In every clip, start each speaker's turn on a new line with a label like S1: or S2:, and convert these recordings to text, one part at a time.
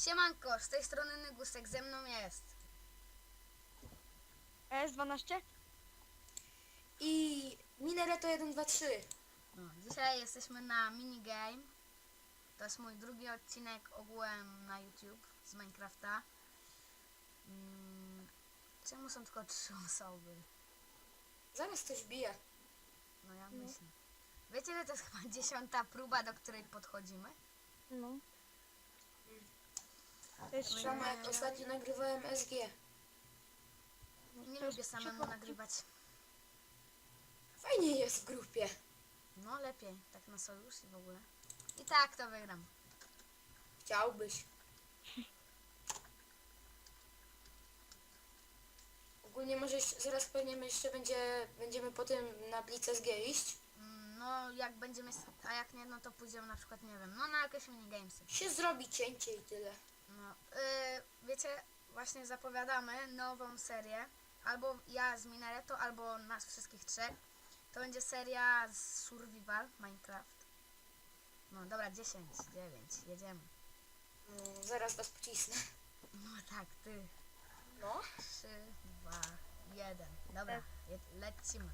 S1: Siemanko, z tej strony Nygusek, ze mną jest.
S2: S12?
S3: I Minareto 1, 2, 3.
S1: No, dzisiaj jesteśmy na minigame. To jest mój drugi odcinek ogółem na YouTube z Minecrafta. Czemu są tylko 3 osoby?
S3: Zaraz ktoś bije.
S1: No ja myślę. Wiecie, że to jest chyba 10. próba, do której podchodzimy?
S2: No. To jest
S1: No
S3: Samo jak ostatnio nagrywałem SG.
S1: Nie
S2: to jest
S1: lubię samemu nagrywać.
S3: Fajnie jest w grupie.
S1: No lepiej, tak na sojusz i w ogóle. I tak to wygram.
S3: Chciałbyś. Ogólnie może zaraz pewnie jeszcze będziemy potem na Blitz SG iść.
S1: No jak będziemy, a jak nie, no to pójdziemy na przykład, nie wiem, no na jakieś minigamesy.
S3: Się zrobi cięcie i tyle.
S1: No, wiecie, właśnie zapowiadamy nową serię. Albo ja z Minareto, albo nas wszystkich trzech. To będzie seria z Survival Minecraft. No dobra, 10, 9, jedziemy.
S3: Zaraz was pocisnę.
S1: No tak, ty.
S3: No.
S1: 3, 2, 1. Dobra, lecimy.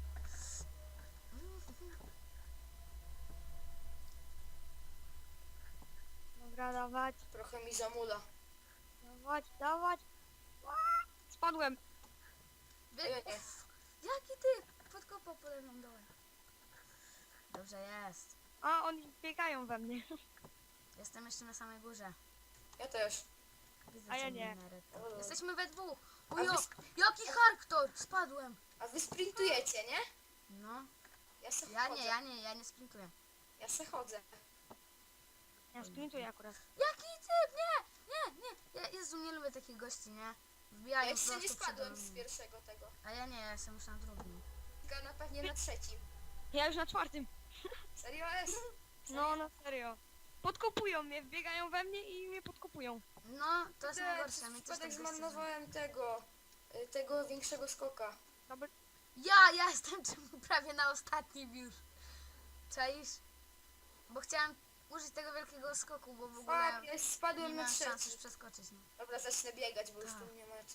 S2: Dobra, dawać,
S3: Trochę mi zamula.
S2: dawać. Spadłem.
S3: Ja nie.
S1: Jaki ty? Podkopał pode mną dołem. Dobrze jest.
S2: A, oni biegają we mnie.
S1: Jestem jeszcze na samej górze.
S3: Ja też.
S1: Widzę
S2: A ja
S1: cię,
S2: nie.
S1: Minareto.
S3: O.
S1: Jesteśmy we dwóch.
S3: A
S1: Ujo,
S3: wy-
S1: jaki hardcore! Spadłem.
S3: A wy sprintujecie, nie?
S1: No,
S3: Ja se
S1: ja
S3: chodzę.
S1: nie, ja nie sprintuję.
S3: Ja se chodzę.
S2: Ja sprintuję akurat.
S1: Jaki typ? Nie! Jezu, nie lubię takich gości, nie?
S3: Ja
S1: Wbijają
S3: jeszcze nie
S1: prosto
S3: spadłem
S1: przede
S3: z
S1: mną.
S3: pierwszego tego.
S1: A ja nie, ja jestem już na drugim.
S3: Tylko na pewnie na trzecim.
S2: Ja już na 4.
S3: Serio jest?
S2: No, na serio. Podkopują mnie, wbiegają we mnie i mnie podkopują.
S1: No, to jest najgorsze, mi też
S3: Przypadek
S1: tak goście
S3: zmarnowałem tego większego skoka.
S2: Dobra.
S1: Ja jestem prawie na ostatnim już. Czaisz? Bo chciałam użyć tego wielkiego skoku, bo w ogóle
S3: Ja
S1: nie
S3: spadłem na
S1: miałam szans już
S3: trzeci.
S1: przeskoczyć. No.
S3: Dobra, zacznę biegać, bo już
S1: Tak.
S3: tu nie ma co.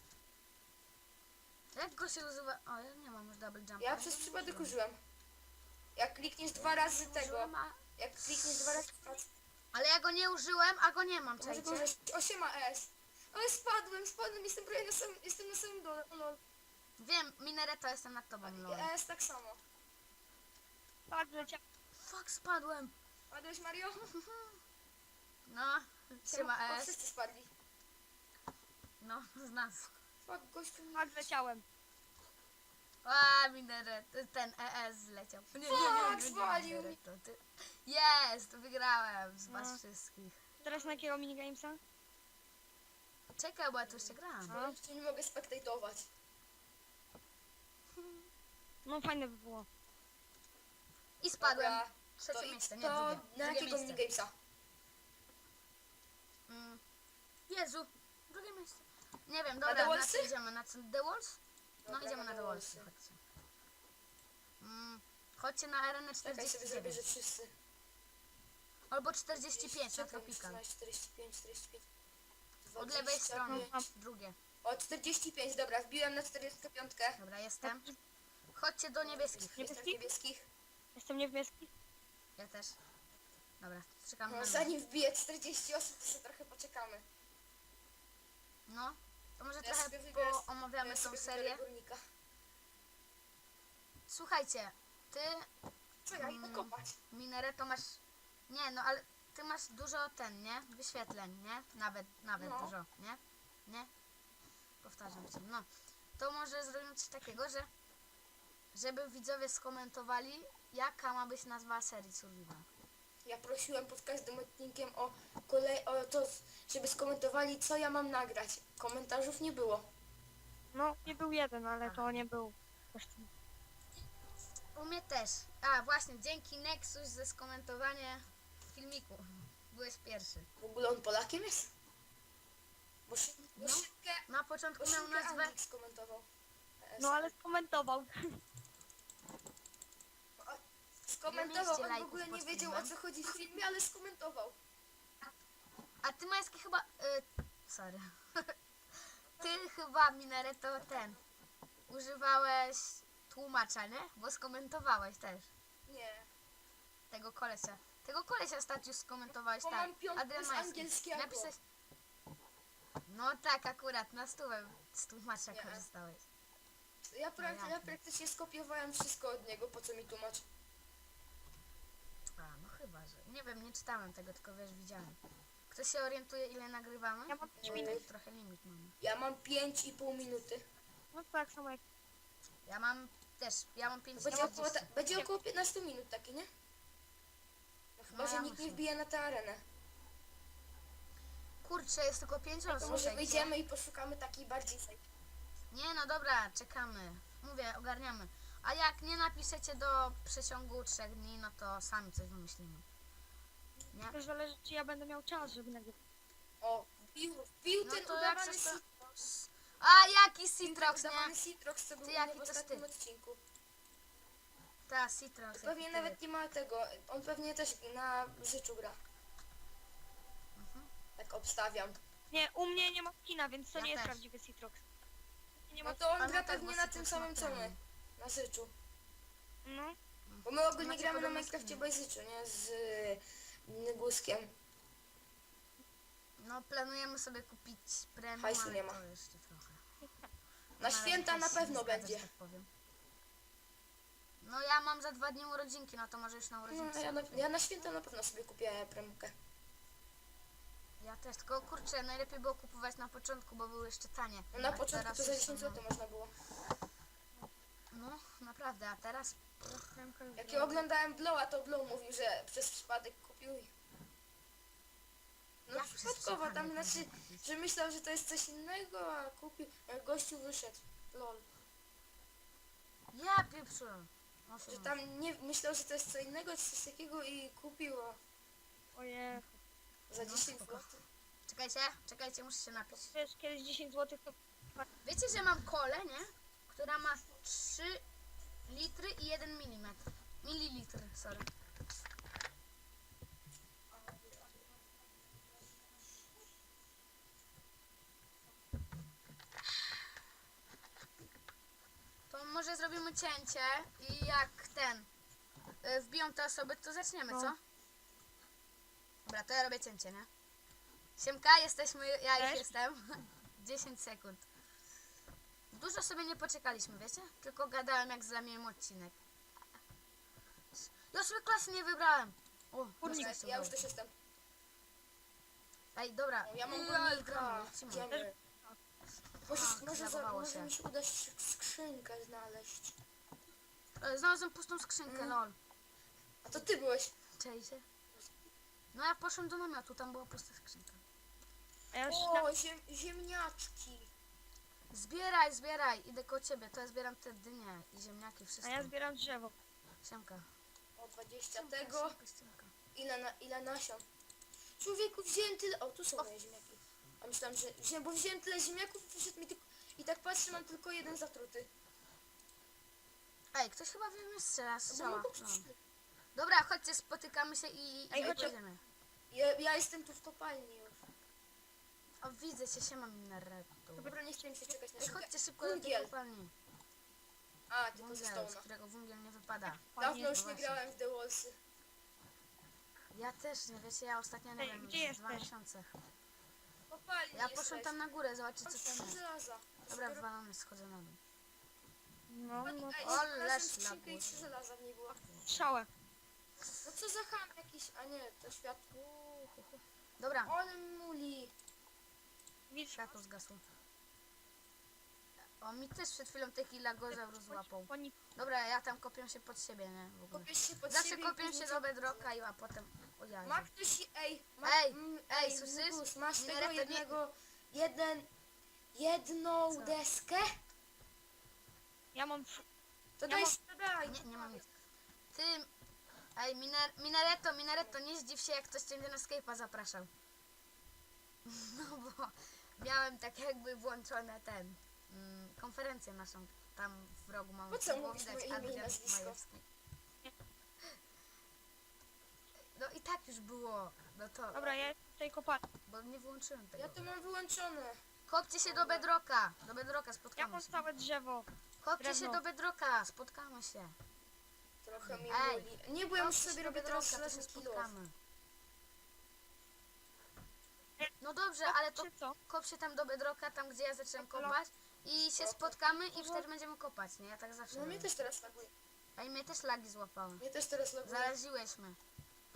S1: Jak go się używa? O, ja nie mam już double jumpa.
S3: Ja przez przypadek użyłem. Jak klikniesz 2 razy tego, jak klikniesz 2 razy
S1: Ale ja go nie użyłem, a go nie mam,
S3: to może go
S1: czajcie?
S3: użyć. 8 S. Ale spadłem, jestem prawie jestem na samym dole. O lol.
S1: Wiem, Minareto, jestem nad tobą, lol.
S3: S tak samo.
S2: Tak, leciał.
S1: Fuck, spadłem.
S3: Padłeś, Mario?
S1: No, siema
S3: O,
S1: S.
S3: wszyscy spadli.
S1: No, z nas.
S3: Fuck, gościu.
S2: Tak, leciałem.
S1: A, Minareto, ten ES zleciał. Nie,
S3: zwalił
S1: Minareto, ty. Jest, wygrałem z was
S2: No.
S1: wszystkich.
S2: Teraz na jakiego minigamesa?
S1: Czekaj, bo ja tu jeszcze gram.
S3: Ja już nie mogę spektatować.
S2: No, fajne by było.
S1: I spadłem.
S3: Dobra,
S1: Trzecie
S3: to
S1: miejsce, nie
S3: to
S1: drugie.
S3: na
S1: Drugie
S3: jakiego
S1: miejsce.
S3: minigamesa?
S1: Jezu, drugie miejsce. Nie wiem,
S3: The
S1: dobra, na
S3: Wallsy?
S1: co idziemy? Na co? The Walls? No
S3: Dobra,
S1: idziemy na
S3: The
S1: The Wallsy,
S3: Wallsy.
S1: chodźcie. Chodźcie na arenę
S3: Czekaj, sobie zrobię,
S1: 49.
S3: że wszyscy.
S1: Albo 45 na
S3: Czekaj,
S1: Tropical.
S3: 13, 45, 45.
S1: Od lewej strony,
S3: 25.
S1: drugie.
S3: O, 45, dobra, wbiłem na 45.
S1: Dobra, jestem. Chodźcie do niebieskich.
S3: Jestem w niebieskich.
S2: Jestem niebieski.
S1: Ja też. Dobra, czekam
S3: No,
S1: na mnie.
S3: zanim wbiję 40 osób, to sobie trochę poczekamy.
S1: No, to może
S3: Ja
S1: trochę
S3: sobie wybiorę-
S1: omawiamy
S3: ja
S1: tą
S3: sobie
S1: serię.
S3: wybiorę górnika.
S1: Słuchajcie, ty,
S3: Co ja idę kopać?
S1: Minareto, masz... Nie, no ale ty masz dużo nie? Wyświetleń, nie? Nawet
S3: No.
S1: dużo, nie? Nie? Powtarzam się, no. To może zrobimy coś takiego, że... Żeby widzowie skomentowali, jaka ma być nazwa serii Survival.
S3: Ja prosiłem pod każdym odcinkiem o to, żeby skomentowali, co ja mam nagrać. Komentarzów nie było.
S2: No, nie był jeden, ale to nie był.
S1: U mnie też. A, właśnie, dzięki Nexus za skomentowanie filmiku. Byłeś pierwszy.
S3: W ogóle on Polakiem jest? Bo
S1: No.
S3: szybkę,
S1: Na początku miał nazwę...
S3: Anglik skomentował.
S2: No, ale skomentował.
S3: Skomentował,
S1: Ile mieliście
S3: on w
S1: lajków
S3: ogóle
S1: pod
S3: nie wiedział, o
S1: filmem?
S3: co chodzi w filmie, ale skomentował.
S1: A ty Majski chyba... sorry. Ty chyba, Minareto, używałeś tłumacza, nie? Bo skomentowałeś też
S3: Nie.
S1: tego kolesia. Tego kolesia Statius skomentowałeś,
S3: Bo
S1: tak.
S3: mam piątkę
S1: Adrian
S3: z
S1: Majski.
S3: angielskiego.
S1: Napisałeś... No tak, akurat, na stówę z tłumacza
S3: Nie.
S1: korzystałeś.
S3: Ja
S1: jasne.
S3: praktycznie skopiowałem wszystko od niego, po co mi tłumacz.
S1: A, no chyba, że... Nie wiem, nie czytałem tego, tylko wiesz, widziałem. Ktoś się orientuje, ile nagrywamy?
S2: Ja mam 5
S1: Bo
S2: minut.
S1: tak trochę limit mamy.
S3: Ja mam 5,5 minuty.
S2: No tak samo jak...
S1: Ja mam 5
S3: Będzie około 15 minut takie, nie? No chyba,
S1: No,
S3: że
S1: ja
S3: nikt nie
S1: myślę.
S3: wbije na tę arenę.
S1: Kurczę, jest tylko 5 osób.
S3: To może
S1: słuchajcie.
S3: wyjdziemy i poszukamy takiej bardziej
S1: Nie, no dobra, czekamy. Mówię, ogarniamy. A jak nie napiszecie do przeciągu 3 dni, no to sami coś wymyślimy. Nie?
S2: To zależy, czy ja będę miał czas, żeby nagrywać.
S3: O, wbił
S1: No
S3: ten
S1: to jak
S3: udawany
S1: coś to...
S3: Citrox.
S1: A, jaki
S3: Wbił ten
S1: Citrox,
S3: udawany
S1: nie?
S3: Citrox, co był
S1: Ty,
S3: u
S1: jaki
S3: mnie w
S1: to
S3: ostatnim
S1: styl.
S3: odcinku.
S1: Ta, Citrox.
S3: Pewnie
S1: jaki
S3: nawet
S1: ty.
S3: nie ma tego. On pewnie też na Zyczu gra.
S1: Mhm.
S3: Tak obstawiam.
S2: Nie, u mnie nie ma kina, więc to
S1: Ja
S2: nie jest
S1: też.
S2: prawdziwy Citrox. Nie
S3: No
S2: ma...
S3: to on gra
S1: Pamiętaj,
S3: pewnie
S1: bo
S3: na
S1: Citrox
S3: tym
S1: ma
S3: samym co my.
S1: ten.
S3: Na Zyczu.
S2: No,
S3: Bo my ogólnie
S1: Macie
S3: gramy na
S1: podobne
S3: Minecrafcie
S1: skiny.
S3: bez Zyczu, nie? Z Nyguskiem.
S1: No, planujemy sobie kupić premium,
S3: Hajsu
S1: ale
S3: nie ma.
S1: to jeszcze trochę.
S3: Na
S1: No,
S3: święta
S1: ale
S3: na
S1: hajs się
S3: pewno
S1: nie zgadza,
S3: będzie.
S1: że tak powiem. No ja mam za 2 dni urodzinki, no to może już na
S3: No,
S1: urodzinki.
S3: ja na święta na pewno sobie kupię premkę.
S1: Ja też, tylko kurczę, najlepiej było kupować na początku, bo były jeszcze tanie.
S3: No na
S1: A
S3: początku
S1: teraz
S3: to za
S1: już
S3: 10
S1: są,
S3: zł można było.
S1: No, naprawdę, a teraz...
S3: Jak ja oglądałem Blowa, to Blow mówił, że przez przypadek kupił. No
S1: Jak przez
S3: przypadkowo, tam
S1: przypadek
S3: znaczy,
S1: można kupić?
S3: że myślał, że to jest coś innego, a kupił. Jak gościu wyszedł. Lol.
S1: Ja pieprzu.
S3: Że tam nie myślał, że to jest co innego, czy coś takiego i kupił a
S2: ojej.
S3: za
S1: No,
S3: 10
S1: spoko.
S3: zł.
S1: Czekajcie, muszę się napić.
S2: Wiesz, kiedyś 10 zł to...
S1: Wiecie, że mam kolę, nie? Która ma 3 litry i 1 milimetr. Mililitr, sorry. To może zrobimy cięcie i jak wbiją te osoby, to zaczniemy,
S2: No.
S1: co? Dobra, to ja robię cięcie, nie? Siemka, jesteśmy, ja już
S2: Cześć.
S1: jestem. 10 sekund. Dużo sobie nie poczekaliśmy, wiecie? Tylko gadałem, jak zlamiłem odcinek. Ja sobie klasy nie wybrałem. O,
S2: Kurnik.
S1: dostałeś
S3: Ja już
S1: udało.
S3: też jestem.
S1: Ej, dobra.
S3: Ja mam
S1: gramy,
S3: górnika.
S1: lecimy.
S3: Idziemy. Może,
S1: Tak, zawołało się.
S3: może mi się uda skrzynkę znaleźć.
S1: Znalazłem pustą skrzynkę, lol.
S3: A to ty byłeś.
S1: Cześć. No ja poszłem do namiotu, tam była pusta skrzynka.
S2: A ja już...
S3: O, ziemniaczki.
S1: Zbieraj, idę koło ciebie, to ja zbieram te dynie i ziemniaki,
S2: A
S1: wszystko.
S2: ja zbieram drzewo.
S1: Siemka.
S3: O, 20
S1: Siemka,
S3: tego.
S1: siemka.
S3: Ile nasion? Człowieku, wziąłem tyle... O, tu są moje ziemniaki. A myślałem, że... Bo wziąłem tyle ziemniaków, wyszedł mi tylko... I tak patrzę, mam tylko jeden zatruty.
S1: Ej, ktoś chyba we mnie strzela,
S3: Bo
S1: strzała.
S3: mam go
S1: No.
S3: przeczytać.
S1: Dobra, chodźcie, spotykamy się i
S2: Ej, chodźcie.
S1: pojedziemy.
S3: Ja jestem tu w kopalni już.
S1: O, widzę cię, siema Minaretu.
S3: Dobra, nie chciałem się czekać na
S1: Ej,
S3: siebie.
S1: chodźcie szybko do tej
S3: Wungiel.
S1: kopalni.
S3: A, tylko ze
S1: Wungiel, z
S3: Stone'a.
S1: którego wungiel nie wypada.
S3: Dawno już
S1: no
S3: nie
S1: właśnie.
S3: grałem w The Wallsy.
S1: Ja też, nie wiecie, ja ostatnio, nie
S2: Ej,
S1: wiem,
S2: gdzie
S1: już 2
S2: jesteś?
S1: miesiące.
S3: W kopalni
S1: Ja poszłem
S3: jesteś.
S1: tam na górę, zobaczyć
S3: Mam
S1: co tam
S3: 3
S1: jest.
S3: żelaza.
S1: Dobra, wywalamy, schodzę na dół.
S2: No, no.
S3: Ej,
S1: O,
S3: znalazłem
S1: leż
S3: skrzynkę i
S1: lagus.
S3: 3 żelaza w niej było.
S2: Strzałę.
S3: No co za ham jakiś... A nie, to światło.
S1: Dobra,
S3: Ale muli.
S2: Widzisz?
S1: światło zgasło. O, mi też przed chwilą taki lagozaur złapał.
S2: Oni...
S1: Dobra, ja tam kopię się pod siebie, nie? W ogóle.
S3: Kopiesz się pod
S1: Zawsze
S3: siebie i
S1: kopię
S3: później
S1: się do bedrocka, a potem... O ja.
S3: Ma ktoś... Ej,
S1: Ej,
S3: ej,
S1: słyszysz?
S3: Nugus, masz
S1: Nie,
S3: tego
S1: to nie-
S3: jednego... Jedną
S1: Co?
S3: deskę?
S2: Ja mam...
S3: To
S2: Ja
S3: daj,
S2: mam-
S3: to daj.
S1: Nie mam nic. Ty... Ej, Minareto, nie zdziw się, jak ktoś cię na Skype'a zapraszał. No bo miałem tak jakby włączone konferencję naszą. Tam w rogu mam.
S3: Po co
S1: było
S3: mówisz
S1: widać
S3: moje imię i
S1: Adrian
S3: nazwisko?
S1: Majewski. No i tak już było. No to...
S2: Dobra, ja tej kopalni.
S1: Bo nie wyłączyłem tego.
S3: Ja to mam wyłączone.
S1: Kopcie się do bedroka. Do bedroka,
S2: Ja
S1: spotkamy
S2: mam
S1: się.
S2: całe drzewo.
S1: Kopcie się
S2: drewno.
S1: do bedroka, spotkamy się.
S3: Trochę mi
S1: Ej,
S3: boli. Nie, bo ja już
S1: Kopcie się
S3: sobie
S1: do
S3: robię teraz
S1: bedrocka, to się
S3: żelazny kilo.
S1: spotkamy. No dobrze, ale to
S2: Czy co?
S1: kop się tam do bedroka, tam gdzie ja zacząłem
S2: Halo?
S1: kopać i się
S3: Dobra.
S1: spotkamy i wtedy będziemy kopać, nie? Ja tak zawsze
S3: No mnie
S1: robię.
S3: też teraz laguje.
S1: A i mnie też lagi złapały.
S3: Mnie też teraz laguje.
S1: Zaraziłeś mnie.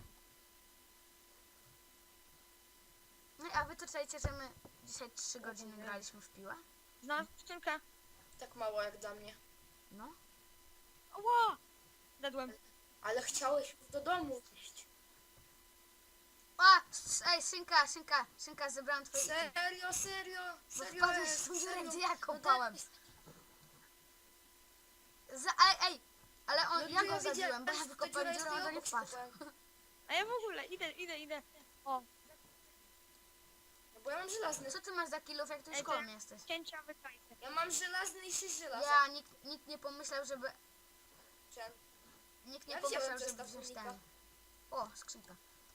S1: No i a wy to czajcie, że my dzisiaj 3 godziny graliśmy w piłę?
S2: Znalazłem skrzynkę.
S3: Tak mało jak dla mnie.
S1: No.
S2: Ła! Dedłem.
S3: Ale chciałeś do domu iść.
S1: A! Ej, Szynka, zebrałem twoje...
S3: Serio, serio,
S1: Bo
S3: serio
S1: wpadłeś
S3: jest,
S1: w tą dziurę,
S3: serio.
S1: gdzie ja
S3: No
S1: kopałem. Ej, ale on,
S3: No
S1: ja
S3: to
S1: go zabiłem,
S3: widziałem,
S1: bo ja
S3: ta
S1: wykopałem
S3: dziura
S1: dziurę, on
S3: jest
S1: do nie
S3: obok,
S1: wpadł.
S3: wykopałem.
S2: A ja w ogóle idę. O,
S3: No bo ja mam żelazny.
S1: Co ty masz za kilów, jak ty już
S2: Ej,
S1: koło
S2: to-
S1: mnie jesteś?
S2: cięcia wykajcie.
S3: Ja mam żelazny i 6 żelaza.
S1: Ja, nikt nie pomyślał, żeby...
S3: Chciałem-
S1: Nikt nie
S3: Ja
S1: pomyślał,
S3: wziąłem
S1: żeby
S3: zestaw
S1: wziąć
S3: unika.
S1: ten... O, skrzynka.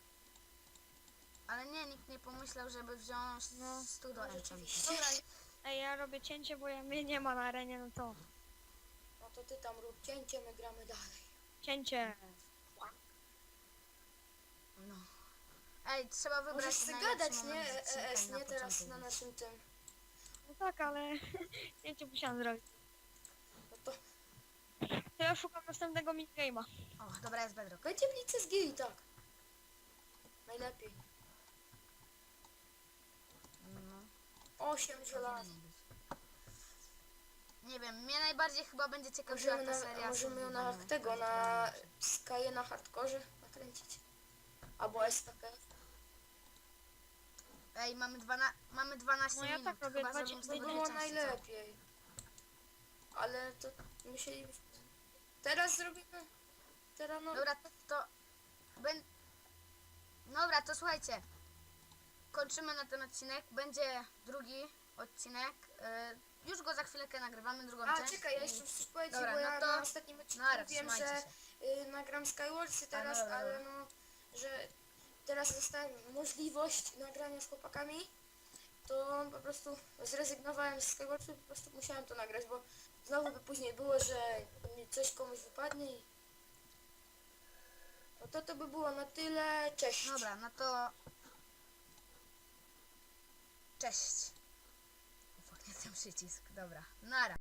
S1: Ale nie, nikt nie pomyślał, żeby wziąć
S2: No.
S1: stół do
S3: No
S1: enchant.
S3: rzeczywiście.
S2: Dobra, ej, ja robię cięcie, bo mnie nie ma na arenie, no to
S3: No to ty tam rób cięcie, my gramy dalej.
S2: cięcie.
S1: No. Ej, trzeba wybrać
S3: Możesz sobie
S1: najlepszy
S3: gadać,
S1: moment
S3: nie?
S1: odcinka
S3: ES,
S1: i
S3: nie teraz
S1: początek
S3: na
S1: być.
S3: naszym tym.
S2: No tak, ale cięcie musiałam zrobić.
S3: No to
S2: To ja szukam następnego minigame'a.
S1: O, dobra, jest bedrock.
S3: będzie blicy z gili, tak. Najlepiej.
S1: No.
S3: 8 żelaz.
S1: Powinien być. Nie wiem, mnie najbardziej chyba będzie ciekawiła
S3: Możemy,
S1: ta seria.
S3: możemy ją na
S1: survivalna,
S3: tego,
S1: która
S3: na
S1: będzie.
S3: Sky'e na hardkorze nakręcić. Albo SKK.
S1: Ej, mamy 12
S2: No ja
S1: minut.
S2: tak robię,
S1: Chyba
S2: 20
S1: zrobimy
S3: To
S1: sobie
S2: minut.
S3: było
S1: dwie części, co?
S3: najlepiej. Ale to musieli... Teraz zrobimy... Teraz no...
S1: Dobra, to... Dobra, to słuchajcie. Kończymy na ten odcinek. Będzie drugi odcinek. Już go za chwileczkę nagrywamy, drugą
S3: A,
S1: część.
S3: czekaj, ja
S1: i-
S3: jeszcze muszę coś powiedzieć,
S1: Dobra,
S3: bo
S1: no
S3: ja
S1: to-
S3: na ostatnim odcinku
S1: Nara,
S3: wiem,
S1: trzymajcie
S3: że
S1: się.
S3: nagram Skywarsy teraz,
S1: dobra,
S3: ale
S1: dobra.
S3: no, że teraz dostałem możliwość nagrania z chłopakami, to po prostu zrezygnowałem z Skywarsy, po prostu musiałem to nagrać, bo znowu by później było, że mi coś komuś wypadnie i... No to by było na tyle, cześć.
S1: Dobra, no to... Cześć. Ufak, nie ten przycisk. Dobra, nara.